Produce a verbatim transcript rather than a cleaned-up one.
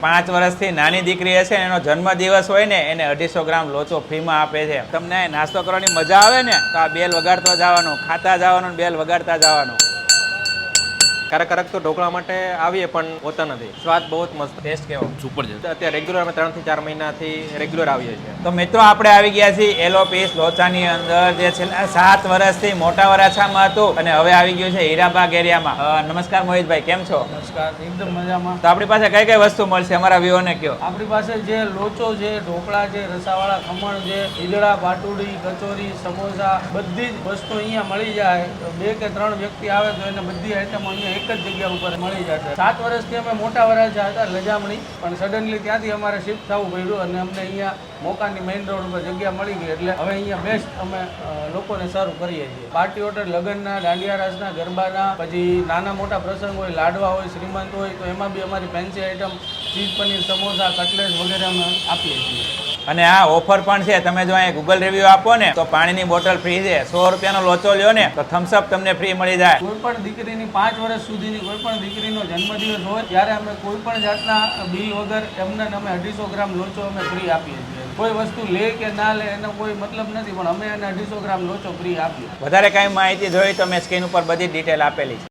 પાંચ વર્ષથી નાની દીકરી હશે એનો જન્મદિવસ હોય ને એને અઢીસો ગ્રામ લોચો ફ્રીમાં આપે છે. તમને નાસ્તો કરવાની મજા આવે ને તો આ બેલ વગાડતો જવાનું, ખાતા જવાનું, બેલ વગાડતા જવાનું. ક્યારેક ક્યારેક તો ઢોકળા માટે આવીએ પણ હોતા નથી. સ્વાદ બહુ જ મસ્ત. ટેસ્ટ કેવો? સુપર છે. અત્યારે રેગ્યુલર અમે ત્રણ થી ચાર મહિનાથી રેગ્યુલર આવીએ છીએ. તો મિત્રો આપણે આવી ગયા છીએ એલો પીસ લોચાની અંદર, જે છેલ્લા સાત વર્ષથી મોટા વરાછામાં હતું અને હવે આવી ગયું છે હીરાબાગ એરિયામાં. નમસ્કાર મોહિતભાઈ, કેમ છો? નમસ્કાર, એકદમ મજામાં. તો આપણી પાસે કઈ કઈ વસ્તુ મળશે અમારા વ્યુઓને કયો? આપણી પાસે જે લોચો છે, ઢોકળા છે, રસાવાળા ખમણ છે, ઈદડા, પાટુડી, કચોરી, સમોસા, બધી જ વસ્તુ અહીંયા મળી જાય. બે કે ત્રણ વ્યક્તિ આવે તો એને બધી આઈટમ અહીંયા એક જ જગ્યા ઉપર મળી જશે. સાત વર્ષથી અમે મોટા વરાછા હતા લજામણી, પણ સડનલી ત્યાંથી અમારે શિફ્ટ થવું પડ્યું અને અમને અહીંયા મોકાની મેઇન રોડ ઉપર જગ્યા મળી ગઈ એટલે હવે અહીંયા બેસ્ટ અમે લોકોને સર્વ કરીએ છીએ. પાર્ટી ઓર્ડર, લગ્નના, દાંડિયા રાસના, ગરબાના, પછી નાના મોટા પ્રસંગ હોય, લાડવા હોય, શ્રીમંત હોય તો એમાં બી અમારી fancy item cheese paneer, samosa, cutlet વગેરે અમે આપીએ છીએ. અને આ ઓફર પણ છે. તમે જો અહીંયા ગૂગલ રિવ્યુ આપો ને તો પાણીની બોટલ ફ્રી છે. સો રૂપિયાનો લોચો લ્યો ને તો થમ્સઅપ તમને ફ્રી મળી જાય. કોઈ પણ દીકરીની પાંચ વર્ષ સુધીની કોઈ પણ દીકરીનો જન્મદિવસ હોય ત્યારે અમે કોઈ પણ જાતના બિલ વગર એમને અમે અઢીસો ગ્રામ લોચો અમે ફ્રી આપીએ છીએ. કોઈ વસ્તુ લે કે ના લે એનો કોઈ મતલબ નથી, પણ અમે એને અઢીસો ગ્રામ લોચો ફ્રી આપીએ. વધારે કાંઈ માહિતી જોઈ તો મેં સ્ક્રીન ઉપર બધી ડિટેલ આપેલી છે.